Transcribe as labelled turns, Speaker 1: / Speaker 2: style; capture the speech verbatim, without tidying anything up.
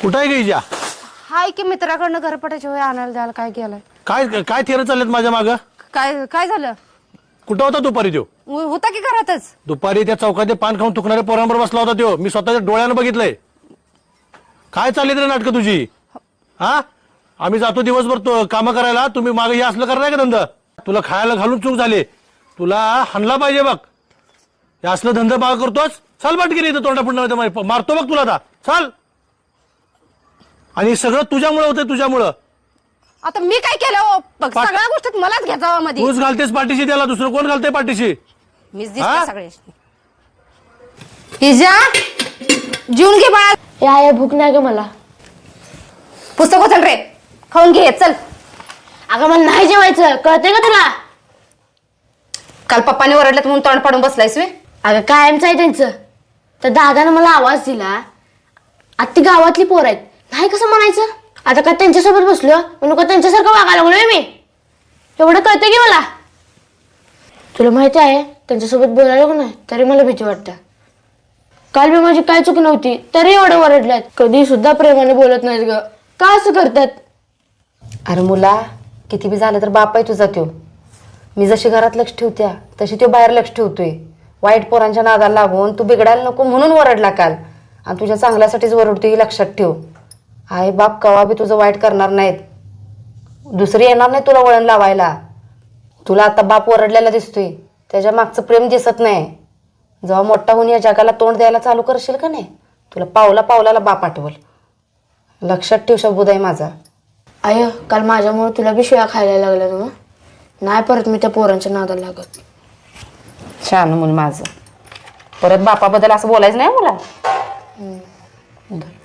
Speaker 1: कुठं आहे गईजा?
Speaker 2: हाय की मित्राकडनं घरपटाची वय आणायला द्यायला काय केलंय?
Speaker 1: काय काय थेरं चाललेत माझ्या मागं?
Speaker 2: काय काय झालं?
Speaker 1: कुठं होता दुपारी त्यो?
Speaker 2: उ- होता की घरातच.
Speaker 1: दुपारी त्या चौकात ते पान खाऊन थुकणाऱ्या पोरांबरोबर बसला होता त्यो. मी स्वतःच्या डोळ्यानं बघितलंय. काय चालली रे नाटकं तुझी? हा, आम्ही जातो दिवसभर तो काम करायला, तुम्ही मागे हे असलं करणार का धंदा? तुला खायला घालून चूक झाली, तुला हाणला पाहिजे बघ. हे असलं धंदा माग करतोस? चाल बाटकी इथं तोंडा पुढं मारतो बघ तुला आता. चाल. आणि सगळं तुझ्यामुळं होतंय, तुझ्यामुळं.
Speaker 2: आता मी काय केलं हो? बघ,
Speaker 1: पा-
Speaker 2: सगळ्या गोष्टीत मलाच घ्यायचा मध्ये.
Speaker 1: तूच घालतेस पाठीशी त्याला, दुसरं कोण घालतंय पाठीशी?
Speaker 2: मीच
Speaker 1: हा?
Speaker 2: दिसते सगळे. हिजा जेवून घे बाळा.
Speaker 3: या या भूक नाही ग मला.
Speaker 2: पुस्तक उचल रे, खाऊन घे चल.
Speaker 3: अगं मला नाही जेवायचं, कळतंय का तुला?
Speaker 2: काल पप्पाने ओरडलं म्हणून तोंड पाडून बसलायस वे.
Speaker 3: अगं कायमच आहे त्यांचं. तर दादानं मला आवाज दिला, आता ती गावातली पोर आहेत, नाही कसं म्हणायचं? आता का त्यांच्यासोबत बसलो म्हणून का त्यांच्यासारखं वागायला लागलोय मी? एवढं कळतंय की मला. तुला माहिती आहे त्यांच्यासोबत बोलायला का नाही तरी मला भीती वाटते. काल मी माझी काय चूक नव्हती तरी एवढं ओरडल्यात. कधी सुद्धा प्रेमाने बोलत नाहीत ग, का असं करतात?
Speaker 4: अरे मुला, किती बी झालं तर बाप आहे तुझा त्यो. मी जशी घरात लक्ष ठेवत्या तशी तो बाहेर लक्ष ठेवतोय. वाईट पोरांच्या नादाला लागून तू बिघडायला नको म्हणून ओरडला काल, आणि तुझ्या चांगल्यासाठीच ओरडतोय ही लक्षात ठेव. आई बाप कवा बी तुझं वाईट करणार नाहीत, दुसरी येणार नाही तुला वळण लावायला. तुला आता बाप ओरडलेला दिसतोय, त्याच्या मागचं प्रेम दिसत नाही. जेव्हा मोठा होऊन या जगाला तोंड द्यायला चालू करशील का नाही, तुला पावला पावलाला बाप आठवल. लक्षात ठेव शब्दूदाई माझा.
Speaker 3: आय काल माझ्यामुळे तुला बी शिव्या खायला लागल्या ना. नाही परत मी त्या पोरांच्या नादाला लागत.
Speaker 4: छान मूल माझं. परत बापाबद्दल असं बोलायचं नाही मला.